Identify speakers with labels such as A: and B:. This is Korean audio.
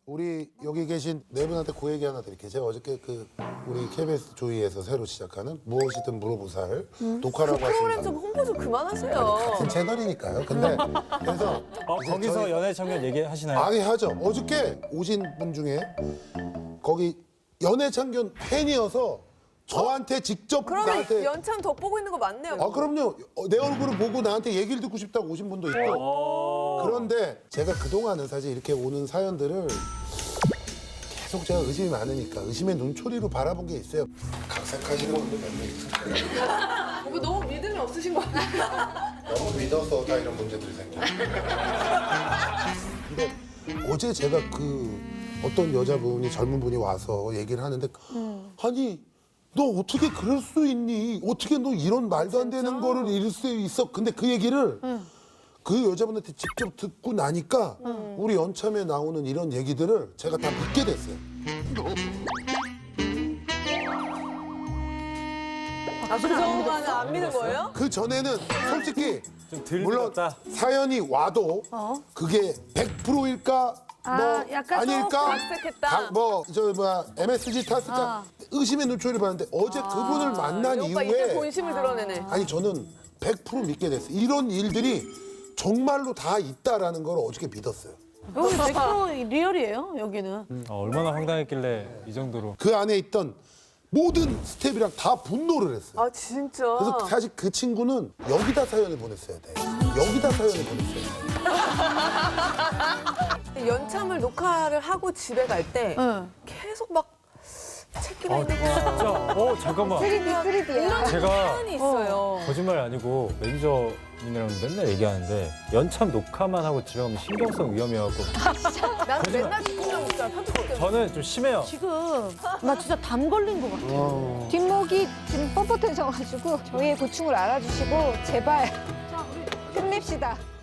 A: 우리 여기 계신 네 분한테 그 얘기 하나 드릴게요. 제가 어저께 우리 KBS 조이에서 새로 시작하는 무엇이든 물어보살 녹화라고
B: 프로그램 좀
A: 하십니다.
B: 홍보 좀 그만하세요.
A: 같은 채널이니까요. 근데 그래서 이제
C: 거기서
A: 저희-
C: 연애 참견 얘기하시나요?
A: 아니 하죠. 어저께 오신 분 중에 거기 연애창견 팬이어서 저한테 직접
B: 그러면
A: 나한테
B: 연참 덧보고 있는 거 맞네요.
A: 아 그럼요. 내 얼굴을 보고 나한테 얘기를 듣고 싶다고 오신 분도 있고. 그런데 제가 그동안은 사실 이렇게 오는 사연들을 계속 제가 의심이 많으니까 의심의 눈초리로 바라본 게 있어요. 각색하시는 분들 몇 명 있을까요?
B: 오빠 너무 믿음이 없으신 거 아니에요?
A: 너무 믿어서 다 이런 문제들이 생겨요. 근데 어제 제가 어떤 여자분이 젊은 분이 와서 얘기를 하는데 아니 너 어떻게 그럴 수 있니? 어떻게 너 이런 말도 안 되는 거를 잃을 수 있어? 근데 그 얘기를 그 여자분한테 직접 듣고 나니까 우리 연참에 나오는 이런 얘기들을 제가 다 믿게 됐어요.
B: 아, 그동안은 안 믿는 거예요?
A: 그 전에는 솔직히
C: 좀덜
A: 물론
C: 믿었다.
A: 사연이 와도 그게 100%일까 뭐
D: 약간
A: 아닐까
B: 각색했다.
A: MSG 탔을까 의심의 눈초리를 봤는데 어제 그분을 만난
B: 이 오빠 이때
A: 이후에
B: 본심을 드러내네.
A: 아니 저는 100% 믿게 됐어요. 이런 일들이 정말로 다 있다라는 걸 어저께 믿었어요.
D: 여기 100% 리얼이에요, 여기는.
C: 얼마나 황당했길래 이 정도로.
A: 그 안에 있던 모든 스텝이랑 다 분노를 했어요.
B: 아 진짜.
A: 그래서 사실 그 친구는 여기다 사연을 보냈어야 돼. 여기다 사연을 보냈어야 돼.
B: 연참을 녹화를 하고 집에 갈 때
D: 응.
B: 계속 막 책기만 있는 거.
C: 진짜? 잠깐만.
B: 3D야.
C: 제가
B: 사연이 있어요.
C: 거짓말 아니고 매니저님이랑 맨날 얘기하는데 연참 녹화만 하고 집에 가면 신경성 위험해갖고
B: 난 맨날 듣고만 있잖아. 편집할 때.
C: 저는 좀 심해요.
D: 지금 나 진짜 담 걸린 것 같아.
E: 뒷목이 지금 뻣뻣해져가지고 저희의 고충을 알아주시고 제발 끝냅시다.